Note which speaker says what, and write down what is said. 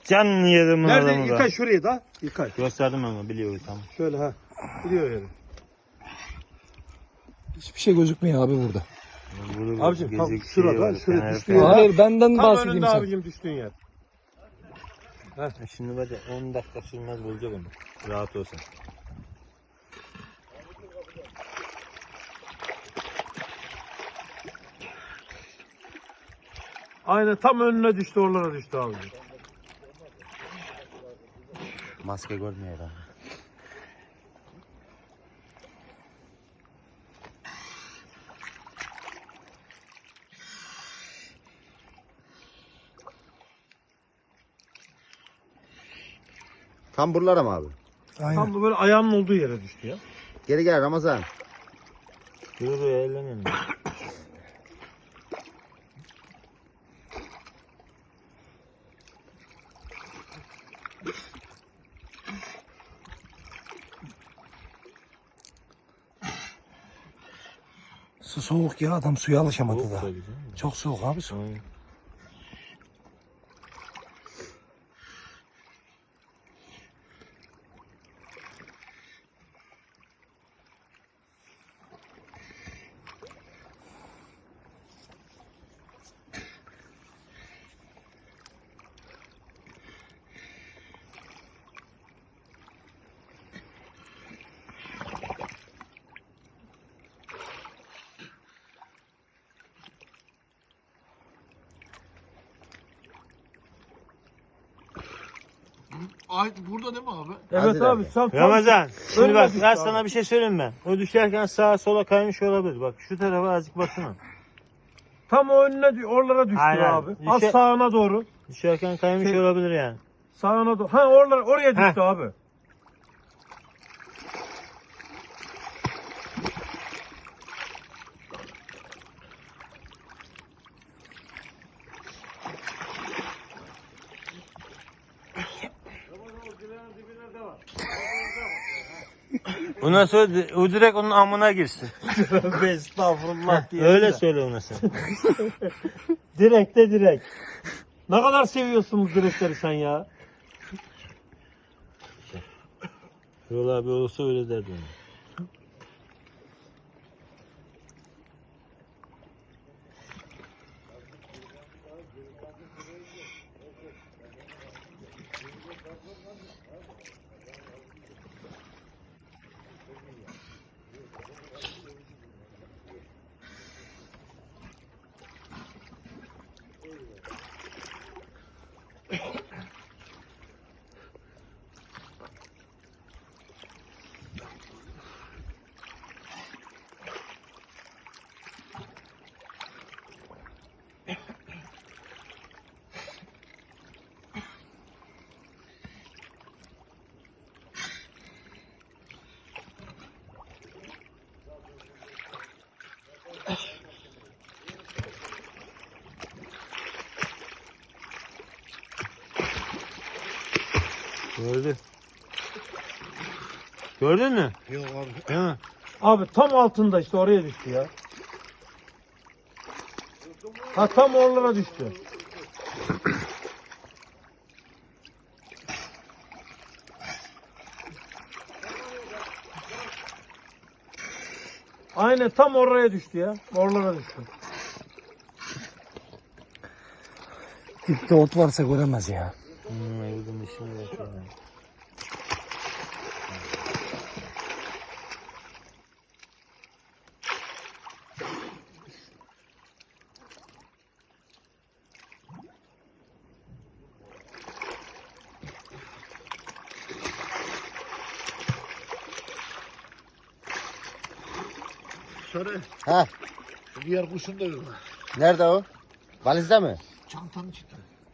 Speaker 1: Can yerim
Speaker 2: Nerede?
Speaker 1: adamı
Speaker 2: Yıkay şurayı da. Yıkay.
Speaker 1: Gösterdim ama biliyor tamam.
Speaker 2: Şöyle ha. Biliyor yani.
Speaker 3: Hiçbir şey gözükmüyor abi burada.
Speaker 2: Abicim tam
Speaker 1: Gezik
Speaker 2: şurada.
Speaker 1: var,
Speaker 2: Şuraya
Speaker 1: fener
Speaker 2: düştüğü
Speaker 1: falan.
Speaker 2: yer.
Speaker 3: Hayır benden
Speaker 2: Tam
Speaker 3: bahsedeyim
Speaker 2: önünde
Speaker 3: sen.
Speaker 2: abicim düştüğün yer.
Speaker 1: Şimdi böyle 10 dakika sürmez bulacak onu. Rahat olsun.
Speaker 2: Aynen tam önüne düştü, oralara düştü abicim.
Speaker 1: Maske görmüyor adam.
Speaker 4: Tam buralara mı abi?
Speaker 3: Aynen.
Speaker 2: Tam da böyle ayağının olduğu yere düştü ya.
Speaker 4: Geri gel Ramazan.
Speaker 1: Yürü buraya ellemeyin.
Speaker 3: Su soğuk ya, adam suya alışamadı
Speaker 1: Soğuk
Speaker 3: da.
Speaker 1: da güzel.
Speaker 3: Çok soğuk abi su.
Speaker 1: Aynen.
Speaker 5: Ay burada değil mi abi?
Speaker 2: Evet
Speaker 4: Hazır
Speaker 2: abi
Speaker 4: abi.
Speaker 2: sen tam
Speaker 1: Ramazan, şimdi
Speaker 2: önüne
Speaker 1: bak
Speaker 2: düştü
Speaker 1: ben
Speaker 2: abi.
Speaker 1: sana bir şey söyleyeyim ben. O düşerken sağa sola kaymış olabilir. Bak şu tarafa azıcık baksana.
Speaker 2: tam o önüne oralara düştü
Speaker 1: Aynen.
Speaker 2: abi. Az
Speaker 1: Düşe-
Speaker 2: sağına doğru.
Speaker 1: Düşerken kaymış
Speaker 2: Şey-
Speaker 1: olabilir yani.
Speaker 2: Sağına doğru. Ha oralara, oraya düştü abi.
Speaker 1: Ondan sonra o direkt onun amına girsin.
Speaker 2: Estağfurullah diye.
Speaker 1: Öyle söyle ona sen.
Speaker 2: Direkt de direkt. Ne kadar seviyorsun bu direkleri sen ya.
Speaker 1: Yol abi olsa öyle derdi ona. Gördü. Gördün mü?
Speaker 5: Yok abi.
Speaker 1: Değil mi?
Speaker 2: Abi tam altında işte oraya düştü ya. Ha tam oralara düştü. Aynen tam oraya düştü ya. Oralara düştü.
Speaker 3: Dipte ot varsa göremez ya.
Speaker 1: Evden işini yapıyor.
Speaker 5: Şöyle
Speaker 4: Ha,
Speaker 5: diğer kuşun da yok.
Speaker 4: nerede o? Valizde mi?
Speaker 5: Çantanın içinde.